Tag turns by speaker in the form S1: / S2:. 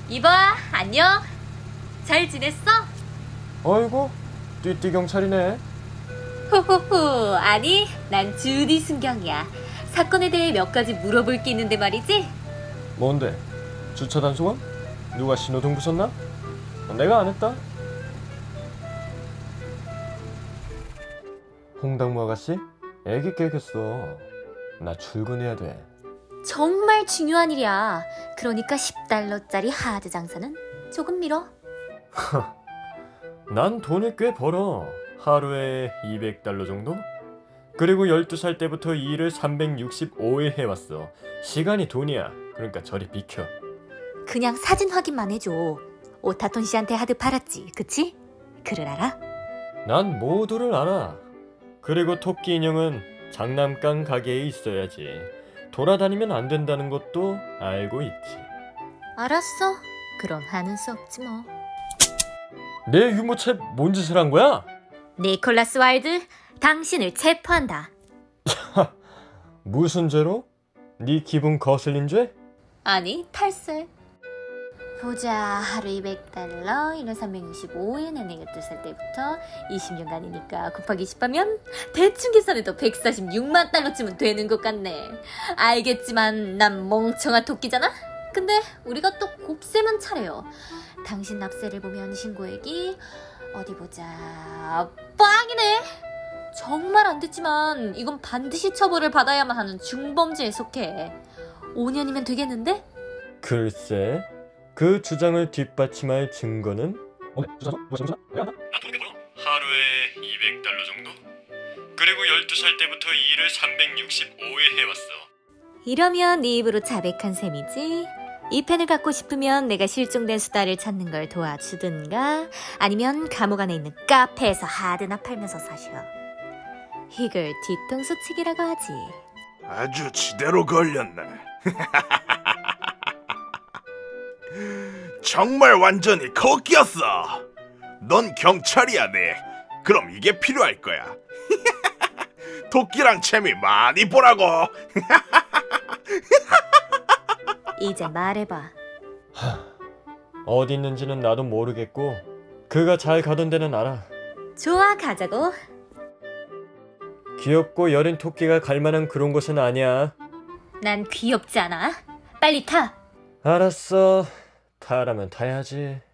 S1: 이봐, 안녕. 잘 지냈어?
S2: 어이구, 띠띠 경찰이네.
S1: 호호호, 아니, 난 주디 순경이야. 사건에 대해 몇 가지 물어볼 게 있는데 말이지?
S2: 뭔데? 주차 단속원? 누가 신호등 부쉈나? 내가 안 했다. 홍당무 아가씨? 애기 깨겠어. 나 출근해야 돼.
S1: 정말 중요한 일이야. 그러니까 10달러짜리 하드 장사는 조금 미뤄.
S2: 난 돈을 꽤 벌어. 하루에 200달러 정도? 그리고 12살 때부터 이 일을 365일 해왔어. 시간이 돈이야. 그러니까 저리 비켜.
S1: 그냥 사진 확인만 해줘. 오타톤 씨한테 하드 팔았지, 그치? 그를 알아?
S2: 난 모두를 알아. 그리고 토끼 인형은 장난감 가게에 있어야지. 돌아다니면 안 된다는 것도 알고 있지.
S1: 알았어. 그럼 하는 수 없지 뭐.
S2: 내 유모차 뭔 짓을 한 거야?
S1: 니콜라스 와일드, 당신을 체포한다.
S2: 무슨 죄로? 네 기분 거슬린 죄?
S1: 아니, 탈세. 보자, 하루 200달러, 1년 365일, 내가 12살 때부터 20년간이니까 곱하기 10하면 대충 계산해도 146만 달러쯤은 되는 것 같네. 알겠지만 난 멍청한 토끼잖아? 근데 우리가 또 곱셈은 차려요. 당신 납세를 보면 신고액이 어디 보자, 빵이네. 정말 안 됐지만 이건 반드시 처벌을 받아야만 하는 중범죄에 속해. 5년이면 되겠는데?
S2: 글쎄, 그 주장을 뒷받침할 증거는? 하루에 200달러 정도? 그리고 12살 때부터 이 일을 365일 해왔어.
S1: 이러면 네 입으로 자백한 셈이지. 이 펜을 갖고 싶으면 내가 실종된 수다를 찾는 걸 도와주든가 아니면 감옥 안에 있는 카페에서 하드나 팔면서 사셔. 이걸 뒤통수 치기라고 하지.
S3: 아주 지대로 걸렸네. 정말 완전히 거끼였어. 넌 경찰이야, 네. 그럼 이게 필요할 거야. 토끼랑 재미 많이 보라고.
S1: 이제 말해봐.
S2: 어디 있는지는 나도 모르겠고 그가 잘 가던 데는 알아.
S1: 좋아, 가자고.
S2: 귀엽고 여린 토끼가 갈 만한 그런 곳은 아니야.
S1: 난 귀엽지 않아. 빨리 타.
S2: 알았어. 타라면 타야지.